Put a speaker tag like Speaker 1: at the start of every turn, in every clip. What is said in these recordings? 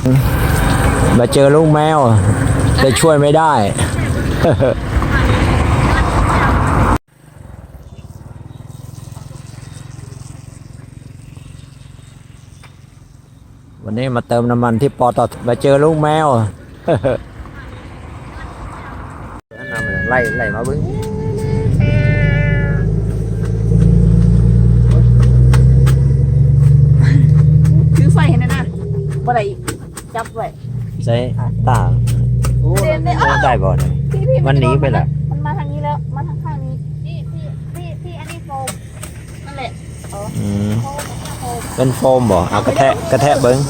Speaker 1: มาเจอลูกแมวแต่ช่วยไม่ได้ วันนี้มาเติมน้ำมันที่ปตทมาเจอลูกแมว ไล่มาบึ้ง
Speaker 2: ถือไฟเห็นนะบ่ได้จับไว้
Speaker 1: ใช้ตา ได้บ่เนี่ย
Speaker 2: พี่
Speaker 1: มันหนีไปละ
Speaker 2: มันมาทางนี้แล้วมาทางข้างนี้พี่อันนี้โฟมนั่นแหละ
Speaker 1: อืม
Speaker 2: โฟม
Speaker 1: เป็นโฟมบ่เอากระแทะเบิ้ง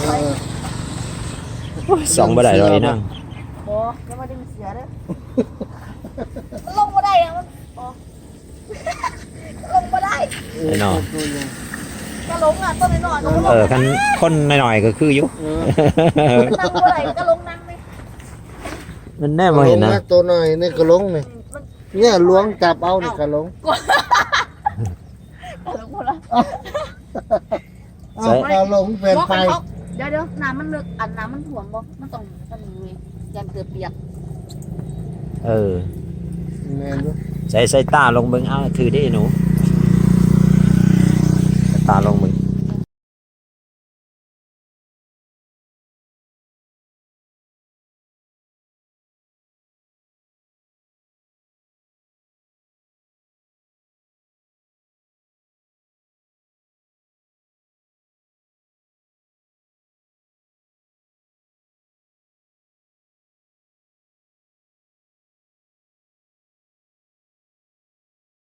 Speaker 1: สองบ่ได้เลยนั่ง
Speaker 2: บ่ยังไม่ได้มีเสียเด้อลงบ่ได้อะมันบ่ลงบ่ได้
Speaker 1: ไอ้น้อง
Speaker 2: ก็ลงอ่ะต้นน้อยๆก็ลง
Speaker 1: คันคนหน่อยๆก็คืออยู่
Speaker 2: นั่งบ่ได้ก็ลงนั่งเลย
Speaker 1: มันแน่มาเห็นนะ
Speaker 3: ตัวหน่อยนี่กระลงนี่เนี่ยล้วงจับเอานี่กระลง
Speaker 2: ก็ลงบ่ละ
Speaker 3: เอากระลงเป็นไฟ
Speaker 2: เดี๋ยวน้ำมันลึกอันน้ำมันถ่วงบ่มันต้องมันมียันเกือบเปียก
Speaker 1: เออ
Speaker 3: แม่นบ่
Speaker 1: ใส่ตาลงเบิ้งเอาถือได้หนูใส่ตาลง